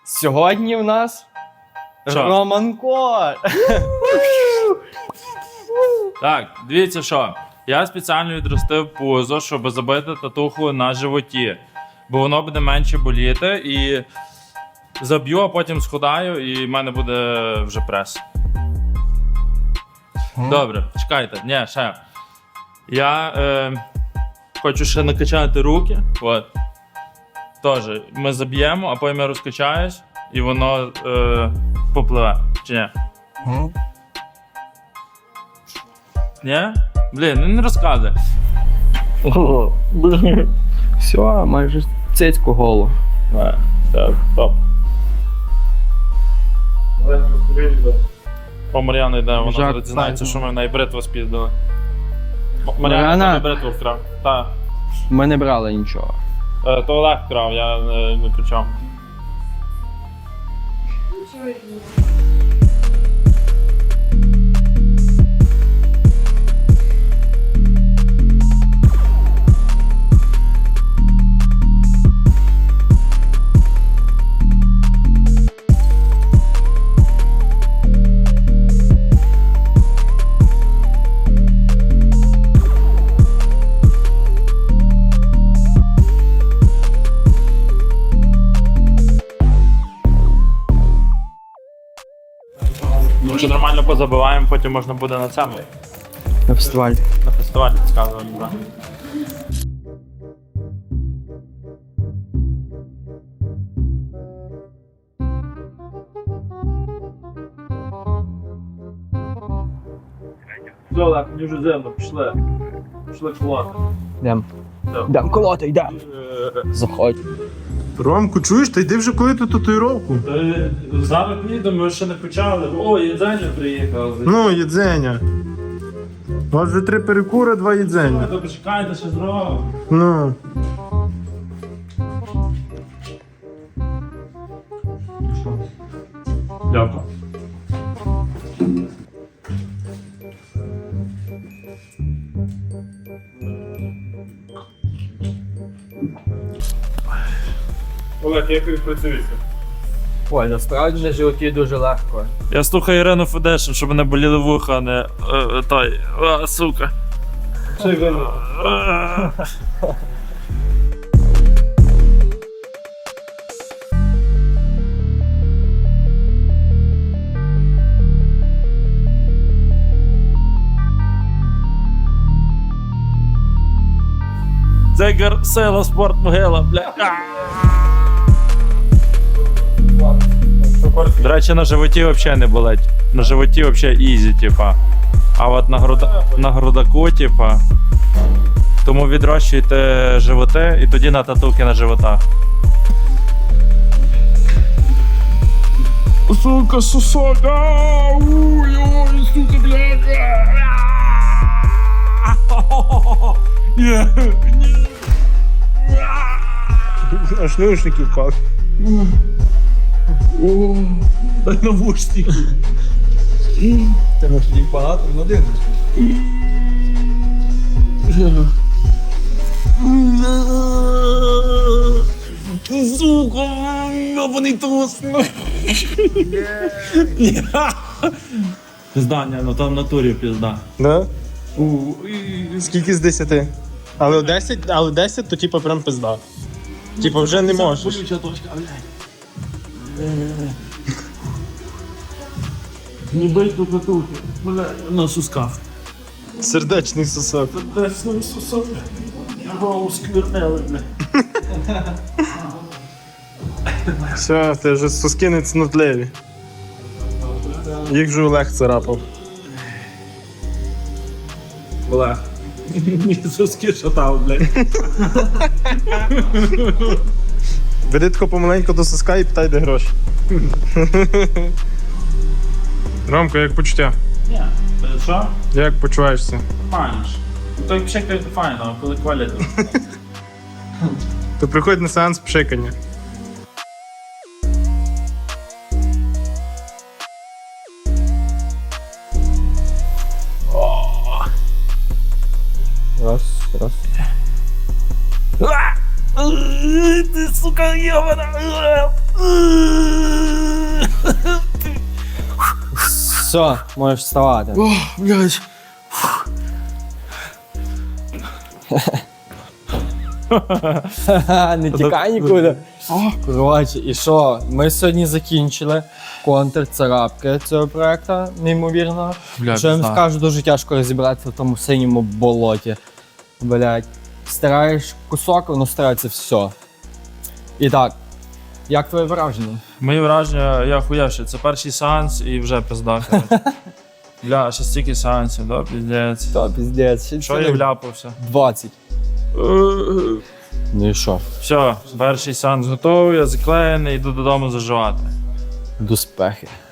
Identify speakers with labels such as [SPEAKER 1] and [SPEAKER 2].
[SPEAKER 1] Сьогодні в нас
[SPEAKER 2] Що?
[SPEAKER 1] Роман Кот.
[SPEAKER 2] Так, дивіться що. Я спеціально відростив пузо, щоб забити татуху на животі. Бо воно буде менше боліти і заб'ю, а потім схудаю і в мене буде вже прес. Добре, чекайте, ні, ще. Я хочу ще накачати руки. От. Тоже ми заб'ємо, а потім я розкачаюсь і воно попливе. Чи ні? Ні? Блін, ну не розказуй.
[SPEAKER 1] Все, майже цицьку голу.
[SPEAKER 2] Так, топ. По Мар'яну йде, вона
[SPEAKER 1] Жак,
[SPEAKER 2] зараз дізнається,
[SPEAKER 1] так.
[SPEAKER 2] що ми в неї бритву спіздили.
[SPEAKER 1] Мар'яна?
[SPEAKER 2] Мар'яна бритву вкрав. Так.
[SPEAKER 1] Ми не брали нічого.
[SPEAKER 2] То Олег вкрав, я не при чому. Якщо нормально позабиваємо, потім можна буде на цьому.
[SPEAKER 1] На фестивалі.
[SPEAKER 2] На фестивалі сказано, так. Все, Олег, мені вже зимно, пішли. Пішли колоти.
[SPEAKER 1] Йдем. Йдем колоти, йдем. Заходь.
[SPEAKER 3] Ромку, чуєш, та йди вже коли ту татуїровку.
[SPEAKER 2] Зараз їдемо, ми ще не почали. О, їдзення приїхав.
[SPEAKER 3] Ну, їдзення. У вас вже 3 перекури, 2 їдзення.
[SPEAKER 2] То почекайте, ще зробимо.
[SPEAKER 3] Ну.
[SPEAKER 2] Дякую. Олег, як ви працюєте?
[SPEAKER 1] Ой, насправді на животі дуже легко.
[SPEAKER 2] Я слухаю Ірину Федешин, щоб не боліли вуха, а не той. Сука. Дзигар, сила, спорт, могила, бля. До речі, на животі взагалі не болить. На животі взагалі ізі, типа. А от на грудаку, типа. Тому відрощуйте животи і тоді на татуки на животах. Сука, сусока! Ой, сука, блядь! Ні, ні.
[SPEAKER 3] Аж наушники впав.
[SPEAKER 2] Дай навушники.
[SPEAKER 1] Тебе ж їх багато, не один.
[SPEAKER 2] Сука, йобаний трус. Пізда, ні, ну там в натурі пізда.
[SPEAKER 3] Да? Скільки з 10? Але 10, то типа прям пизда. Типа вже не можеш.
[SPEAKER 2] Болюча точка, блядь. Не бий тут татухи, блядь, на сусках.
[SPEAKER 3] Сердечний сосок.
[SPEAKER 2] Сердечний сусок. Його сквернели, блядь.
[SPEAKER 3] Все, ти вже соски не цнотливі. Їх вже Олег царапав.
[SPEAKER 2] Олег. Мені суски шатав, блядь.
[SPEAKER 3] Веди тако помаленьку до соска і питай, де гроші. Ромко, як почуття?
[SPEAKER 2] Ні, що?
[SPEAKER 3] Як почуваєшся?
[SPEAKER 2] Файно ж. То як пшикають, то файно, а коли хвалять, то...
[SPEAKER 3] То приходь на сеанс пшикання.
[SPEAKER 1] Раз, раз.
[SPEAKER 2] Ти, сука, йобана!
[SPEAKER 1] Все, можеш вставати.
[SPEAKER 2] О, блядь.
[SPEAKER 1] Не тікай нікуди. Коротше, і що? Ми сьогодні закінчили контрцарапки цього проекту, неймовірно.
[SPEAKER 2] Бля,
[SPEAKER 1] Що я вам
[SPEAKER 2] пізда.
[SPEAKER 1] скажу, дуже тяжко розібратися в тому синьому болоті. Блять. Стираєш кусок, воно стирається все. І так, як твоє враження?
[SPEAKER 2] Мої враження, я хуявши. Це перший сеанс і вже пизда. коротше. Бля, ще стільки сеансів, да, піздець.
[SPEAKER 1] Та піздець, ще
[SPEAKER 2] Що я вляпався?
[SPEAKER 1] 20. Ну і що?
[SPEAKER 2] Все, перший сеанс готовий, я заклеєний, йду додому заживати.
[SPEAKER 1] До спехи.